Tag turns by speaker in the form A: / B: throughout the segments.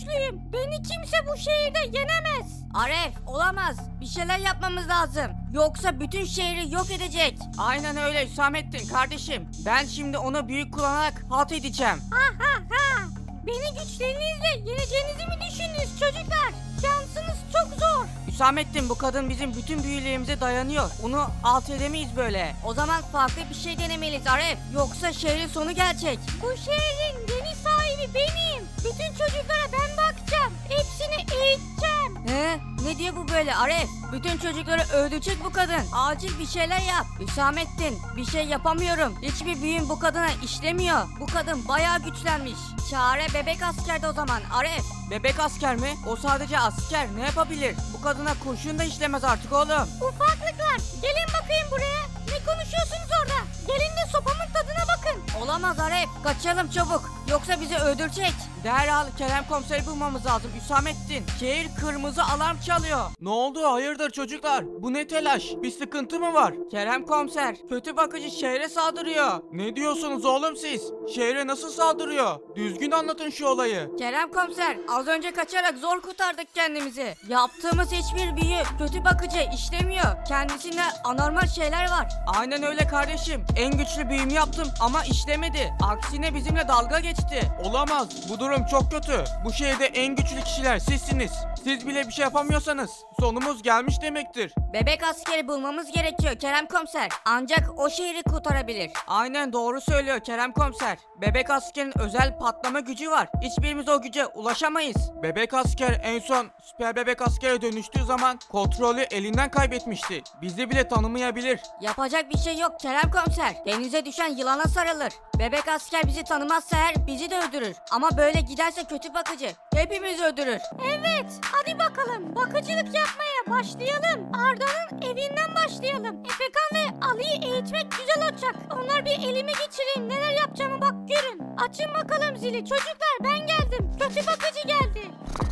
A: güçlüyüm. Beni kimse bu şehirde yenemez.
B: Aref olamaz. Bir şeyler yapmamız lazım. Yoksa bütün şehri yok edecek.
C: Aynen öyle Hüsamettin kardeşim. Ben şimdi onu büyük kullanarak halt edeceğim.
A: Ha ha ha. Beni güçlerinizle yeneceğinizi mi düşündünüz çocuklar? Şansınız çok zor.
C: Hüsamettin bu kadın bizim bütün büyülerimize dayanıyor. Onu alt edemeyiz böyle.
B: O zaman farklı bir şey denemeliyiz Aref. Yoksa şehrin sonu gelecek.
A: Bu şehrin yeni sahibi benim. Bütün çocuklara ben bakacağım. Hepsini eğiteceğim.
B: He? Ne diyor bu böyle Aref? Bütün çocukları öldürecek bu kadın. Acil bir şeyler yap. Hüsamettin bir şey yapamıyorum. Hiçbir büyüm bu kadına işlemiyor. Bu kadın bayağı güçlenmiş. Çare bebek askerde o zaman Aref.
C: Bebek asker mi? O sadece asker. Ne yapabilir? Bu kadına kurşun da işlemez artık oğlum.
A: Ufaklıklar gelin bakayım buraya. Ne konuşuyorsunuz orada? Gelin de sopamın tadına bakın.
B: Olamaz Aref. Kaçalım çabuk. Yoksa bizi öldürecek.
C: Derhal Kerem komiseri bulmamız lazım Hüsamettin. Şehir kırmızı alarm çalıyor. Ne oldu? Hayırdır çocuklar? Bu ne telaş? Bir sıkıntı mı var? Kerem komiser, kötü bakıcı şehre saldırıyor. Ne diyorsunuz oğlum siz? Şehre nasıl saldırıyor? Düzgün anlatın şu olayı.
B: Kerem komiser az önce kaçarak zor kurtardık kendimizi. Yaptığımız hiçbir büyü kötü bakıcı işlemiyor. Kendisinde anormal şeyler var.
C: Aynen öyle kardeşim. En güçlü büyümü yaptım ama işlemedi. Aksine bizimle dalga geçti. Olamaz. Bu durum çok kötü. Bu şehirde en güçlü kişiler sizsiniz. Siz bile bir şey yapamıyorsanız sonumuz gelmiş demektir.
B: Bebek askeri bulmamız gerekiyor Kerem komiser. Ancak o şehri kurtarabilir.
C: Aynen doğru söylüyor Kerem komiser. Bebek askerin özel patlama gücü var. Hiçbirimiz o güce ulaşamayız. Bebek asker en son süper bebek askere dönüştüğü zaman kontrolü elinden kaybetmişti. Bizi bile tanımayabilir.
B: Yapacak bir şey yok Kerem komiser. Denize düşen yılana sarılır. Bebek asker bizi tanımazsa eğer bizi de öldürür. Ama böyle giderse kötü bakıcı hepimizi öldürür.
A: Evet hadi bakalım bakıcılık yapmaya başlayalım. Arda'nın evinden başlayalım. Efekan ve Ali'yi eğitmek güzel olacak. Onlar bir elime geçireyim neler yapacağımı bak görün. Açın bakalım zili çocuklar ben geldim. Kötü bakıcı geldi.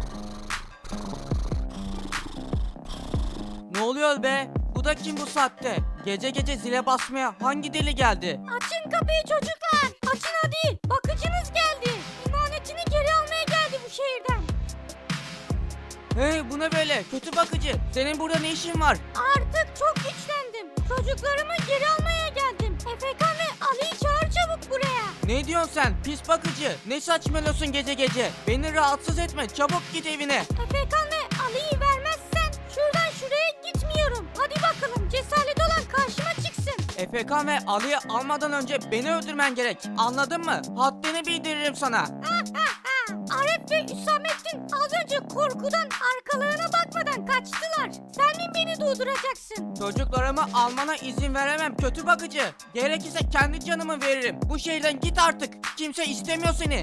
C: Ne oluyor be? Bu da kim bu saatte? Gece gece zile basmaya hangi deli geldi?
A: Açın kapıyı çocuklar. Açın hadi. Bakıcınız geldi. İmanetini geri almaya geldi bu şehirden.
C: Hey bu ne böyle? Kötü bakıcı. Senin burada ne işin var?
A: Artık çok güçlendim. Çocuklarımı geri almaya geldim. Efekan ve Ali'yi çağır çabuk buraya.
C: Ne diyorsun sen? Pis bakıcı. Ne saçmalıyorsun gece gece? Beni rahatsız etme. Çabuk git evine.
A: Efekan ve Ali'yi vermezsen şuradan şuraya gitmiyorum. Hadi bakalım cesaret olan karşıma çıksın.
C: Efekan ve Ali'yi almadan önce beni öldürmen gerek. Anladın mı? Haddini bildiririm sana.
A: Aref ve Hüsamettin az önce korkudan arkalarına bakmadan kaçtılar. Sen mi beni durduracaksın?
C: Çocuklarımı almana izin veremem kötü bakıcı. Gerekirse kendi canımı veririm. Bu şehirden git artık. Kimse istemiyor seni.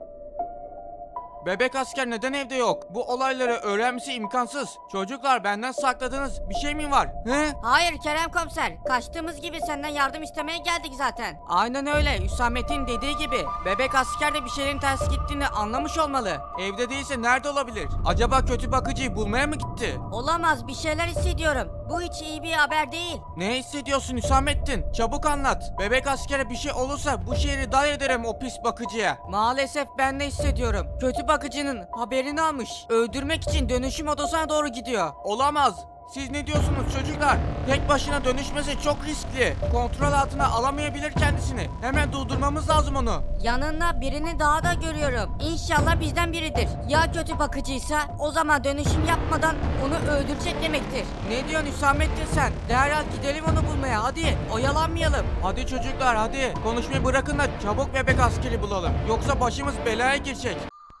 C: Bebek asker neden evde yok? Bu olayları öğrenmesi imkansız. Çocuklar benden sakladığınız bir şey mi var? He?
B: Hayır Kerem komiser. Kaçtığımız gibi senden yardım istemeye geldik zaten.
C: Aynen öyle. Hüsamettin dediği gibi. Bebek asker de bir şeyin ters gittiğini anlamış olmalı. Evde değilse nerede olabilir? Acaba kötü bakıcıyı bulmaya mı gitti?
B: Olamaz bir şeyler hissediyorum. Bu hiç iyi bir haber değil.
C: Ne hissediyorsun Hüsamettin? Çabuk anlat. Bebek askere bir şey olursa bu şehri dar ederim o pis bakıcıya. Maalesef ben de hissediyorum. Kötü bakıcının haberini almış. Öldürmek için dönüşüm odasına doğru gidiyor. Olamaz. Siz ne diyorsunuz çocuklar? Tek başına dönüşmesi çok riskli. Kontrol altına alamayabilir kendisini. Hemen durdurmamız lazım onu.
B: Yanında birini daha da görüyorum. İnşallah bizden biridir. Ya kötü bakıcıysa o zaman dönüşüm yapmadan onu öldürecek demektir.
C: Ne diyorsun Hüsamettin sen? Derhal gidelim onu bulmaya hadi. Oyalanmayalım. Hadi çocuklar hadi. Konuşmayı bırakın da çabuk bebek askeri bulalım. Yoksa başımız belaya girecek.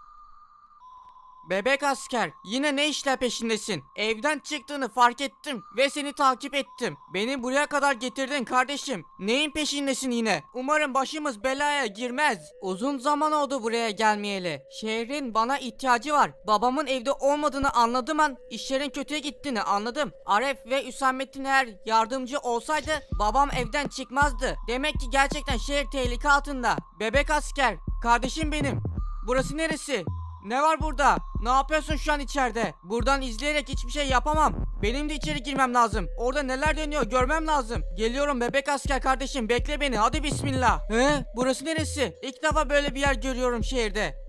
C: Bebek asker, yine ne işler peşindesin? Evden çıktığını fark ettim ve seni takip ettim. Beni buraya kadar getirdin kardeşim. Neyin peşindesin yine? Umarım başımız belaya girmez. Uzun zaman oldu buraya gelmeyeli. Şehrin bana ihtiyacı var. Babamın evde olmadığını anladığım an işlerin kötüye gittiğini anladım. Aref ve Hüsamettin eğer yardımcı olsaydı babam evden çıkmazdı. Demek ki gerçekten şehir tehlike altında. Bebek asker, kardeşim benim. Burası neresi? Ne var burada? Ne yapıyorsun şu an içeride? Buradan izleyerek hiçbir şey yapamam. Benim de içeri girmem lazım. Orada neler dönüyor görmem lazım. Geliyorum bebek asker kardeşim bekle beni hadi bismillah. He? Burası neresi? İlk defa böyle bir yer görüyorum şehirde.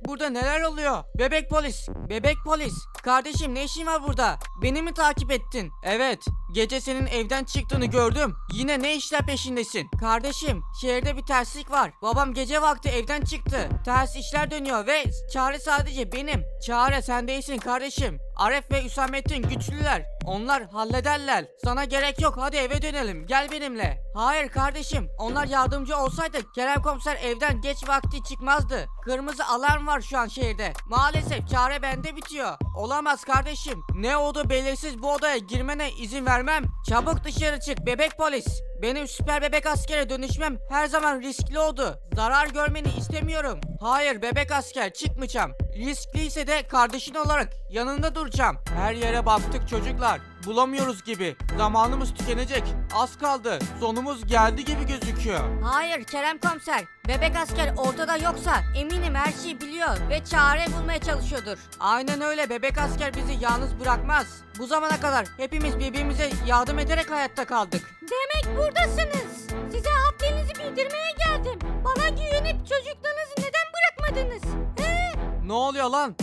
C: Burada neler oluyor? Bebek polis. Bebek polis. Kardeşim ne işin var burada? Beni mi takip ettin? Evet. Gece senin evden çıktığını gördüm. Yine ne işler peşindesin? Kardeşim şehirde bir terslik var. Babam gece vakti evden çıktı. Ters işler dönüyor ve çare sadece benim. Çare sen değilsin kardeşim. Aref ve Hüsamettin güçlüler. Onlar hallederler. Sana gerek yok. Hadi eve dönelim. Gel benimle. Hayır kardeşim. Onlar yardımcı olsaydı Kerem komiser evden geç vakti çıkmazdı. Kırmızı alarm var şu an şehirde. Maalesef çare bende bitiyor. Olamaz kardeşim. Ne oldu belirsiz bu odaya girmene izin vermem. Çabuk dışarı çık bebek polis. Benim süper bebek askere dönüşmem her zaman riskli oldu. Zarar görmeni istemiyorum. Hayır bebek asker çıkmayacağım. Riskliyse de kardeşin olarak yanında duracağım. Her yere baktık çocuklar. Bulamıyoruz gibi. Zamanımız tükenecek. Az kaldı. Sonumuz geldi gibi gözüküyor.
B: Hayır Kerem komiser. Bebek asker ortada yoksa eminim her şeyi biliyor ve çare bulmaya çalışıyordur.
C: Aynen öyle bebek asker bizi yalnız bırakmaz. Bu zamana kadar hepimiz birbirimize yardım ederek hayatta kaldık.
A: Demek buradasınız. Size haddinizi bildirmeye geldim. Bana güvenip çocuklarınızı neden bırakmadınız? He?
C: Ne oluyor lan?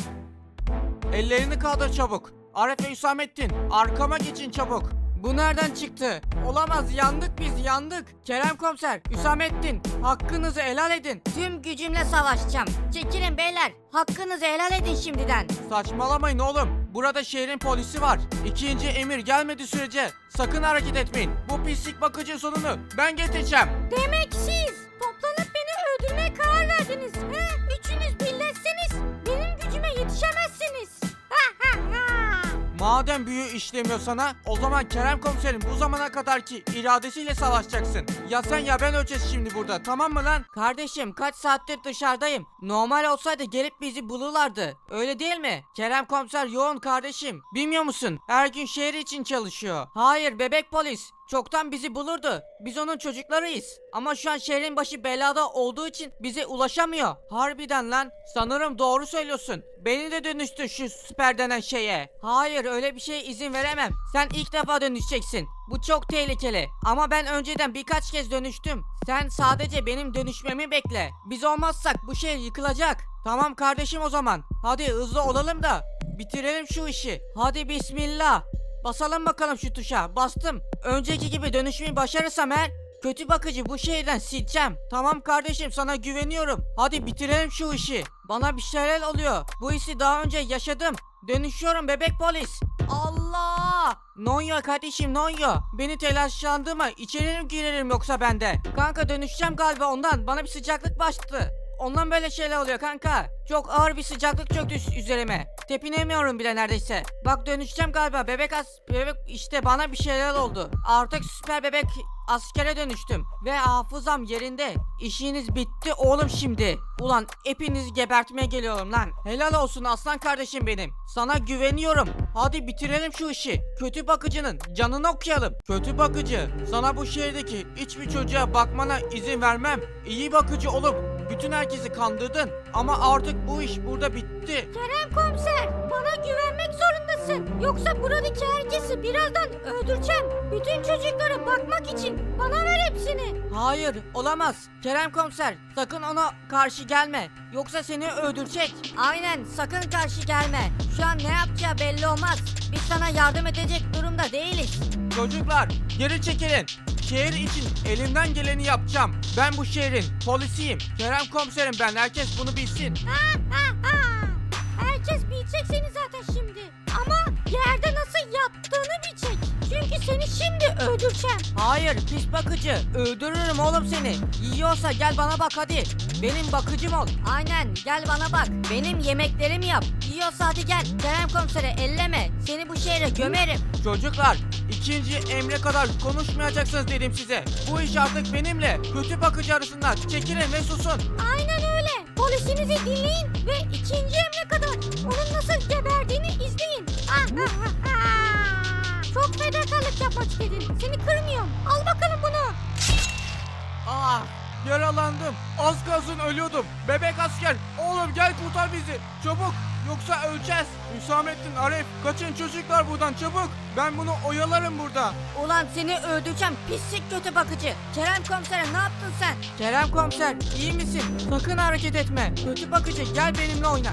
C: Ellerini kaldır çabuk. Arif ve Hüsamettin arkama geçin çabuk. Bu nereden çıktı? Olamaz yandık biz yandık. Kerem komiser, Hüsamettin hakkınızı helal edin.
B: Tüm gücümle savaşacağım. Çekilin beyler. Hakkınızı helal edin şimdiden.
C: Saçmalamayın oğlum. Burada şehrin polisi var. İkinci emir gelmediği sürece sakın hareket etmeyin. Bu pislik bakıcı sonunu ben getireceğim.
A: Demek siz toplanıp beni öldürmeye karar verdiniz. He? Üçünüz birleşseniz benim gücüme yetişemezsiniz. Ha ha ha.
C: Madem büyü işlemiyor sana, o zaman Kerem komiserin bu zamana kadarki iradesiyle savaşacaksın. Ya sen ya ben öleceğiz şimdi burada, tamam mı lan? Kardeşim kaç saattir dışarıdayım. Normal olsaydı gelip bizi bulurlardı. Öyle değil mi? Kerem komiser yoğun kardeşim. Bilmiyor musun? Her gün şehir için çalışıyor. Hayır bebek polis. Çoktan bizi bulurdu. Biz onun çocuklarıyız. Ama şu an şehrin başı belada olduğu için bize ulaşamıyor. Harbiden lan. Sanırım doğru söylüyorsun. Beni de dönüştür şu süper denen şeye. Hayır öyle bir şeye izin veremem. Sen ilk defa dönüşeceksin. Bu çok tehlikeli. Ama ben önceden birkaç kez dönüştüm. Sen sadece benim dönüşmemi bekle. Biz olmazsak bu şehir yıkılacak. Tamam kardeşim o zaman. Hadi hızlı olalım da bitirelim şu işi. Hadi bismillah. Basalım bakalım şu tuşa. Bastım. Önceki gibi dönüşümü başarırsam eğer kötü bakıcı bu şehirden sileceğim. Tamam kardeşim sana güveniyorum. Hadi bitirelim şu işi. Bana bir şeyler oluyor. Bu hissi daha önce yaşadım. Dönüşüyorum bebek polis. Allah! Nonya kardeşim Nonya. Beni telaşlandırma. İçeri mi girerim yoksa bende? Kanka dönüşeceğim galiba ondan. Bana bir sıcaklık bastı. Ondan böyle şeyler oluyor kanka. Çok ağır bir sıcaklık çöktü üzerime. Tepinemiyorum bile neredeyse. Bak dönüşeceğim galiba bebek işte bana bir şeyler oldu. Artık süper bebek askere dönüştüm. Ve hafızam yerinde. İşiniz bitti oğlum şimdi. Ulan hepinizi gebertmeye geliyorum lan. Helal olsun aslan kardeşim benim. Sana güveniyorum. Hadi bitirelim şu işi. Kötü bakıcının canını okuyalım. Kötü bakıcı, sana bu şehirdeki hiçbir çocuğa bakmana izin vermem. İyi bakıcı olup bütün herkesi kandırdın. Ama artık bu iş burada bitti.
A: Kerem komiser bana güvenmek zorundasın. Yoksa buradaki herkesi birazdan öldüreceğim. Bütün çocuklara bakmak için bana ver hepsini.
C: Hayır olamaz. Kerem komiser sakın ona karşı gelme. Yoksa seni öldürecek.
B: Aynen sakın karşı gelme. Şu an ne yapacağı belli olmaz. Biz sana yardım edecek durumda değiliz.
C: Çocuklar geri çekilin. Şehir için elimden geleni yapacağım. Ben bu şehrin polisiyim. Kerem komiserim ben. Herkes bunu bilsin.
A: Ha ha ha. Herkes bilecek seni zaten şimdi. Ama yerde nasıl yattığını bilecek. Çünkü seni şimdi öldüreceğim.
C: Hayır pis bakıcı. Öldürürüm oğlum seni. Yiyorsa gel bana bak hadi. Benim bakıcım ol.
B: Aynen gel bana bak. Benim yemeklerimi yap. Yiyorsa hadi gel. Kerem komisere elleme. Seni bu şehre gömerim.
C: Çocuklar ikinci emre kadar konuşmayacaksınız dedim size. Bu iş artık benimle kötü bakıcı arasında. Çekilin ve susun.
A: Aynen öyle. Polisinizi dinleyin ve ikinci emre kadar onun nasıl geberdiğini izleyin. Ah, ah, ah, ah. Çok fedakarlık yapmak istedin. Seni kırmıyorum. Al bakalım bunu.
C: Ah Yaralandım. Az kalsın ölüyordum. Bebek asker. Oğlum gel kurtar bizi. Çabuk. Yoksa öleceğiz. Hüsamettin, Arif, kaçın çocuklar buradan çabuk. Ben bunu oyalarım burada.
B: Ulan seni öldüreceğim pislik kötü bakıcı. Kerem komisere ne yaptın sen?
C: Kerem komiser iyi misin? Sakın hareket etme. Kötü bakıcı gel benimle oyna.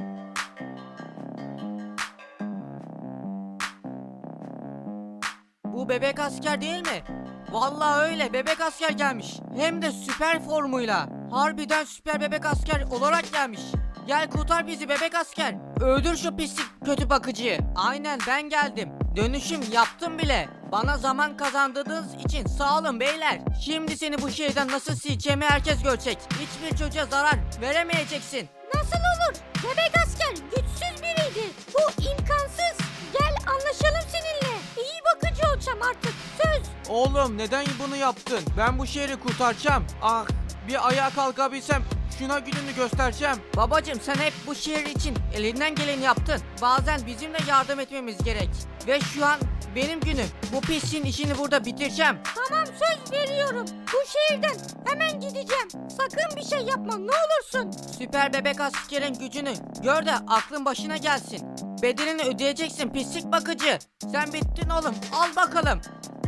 C: Bu bebek asker değil mi? Vallahi öyle bebek asker gelmiş. Hem de süper formuyla. Harbiden süper bebek asker olarak gelmiş. Gel kurtar bizi bebek asker. Öldür şu pislik kötü bakıcıyı. Aynen ben geldim. Dönüşüm yaptım bile. Bana zaman kazandırdığınız için sağ olun beyler. Şimdi seni bu şehirden nasıl sileceğimi herkes görecek. Hiçbir çocuğa zarar veremeyeceksin.
A: Nasıl olur? Bebek asker güçsüz biriydi. Bu imkansız. Gel anlaşalım seninle. İyi bakıcı olacağım artık. Söz.
C: Oğlum neden bunu yaptın? Ben bu şehri kurtaracağım. Ah bir ayağa kalkabilsem şuna gününü göstereceğim. Babacım sen hep bu şehir için elinden geleni yaptın. Bazen bizim de yardım etmemiz gerek. Ve şu an benim günüm. Bu pisliğin işini burada bitireceğim.
A: Tamam söz veriyorum. Bu şehirden hemen gideceğim. Sakın bir şey yapma ne olursun.
C: Süper bebek askerin gücünü gör de aklın başına gelsin. Bedelini ödeyeceksin pislik bakıcı. Sen bittin oğlum al bakalım.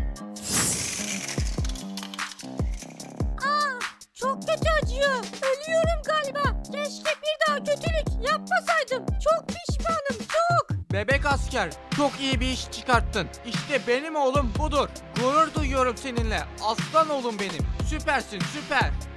A: Çok kötü acıyor. Ölüyorum galiba. Keşke bir daha kötülük yapmasaydım. Çok pişmanım çok.
C: Bebek asker çok iyi bir iş çıkarttın. İşte benim oğlum budur. Gurur duyuyorum seninle. Aslan oğlum benim. Süpersin süper.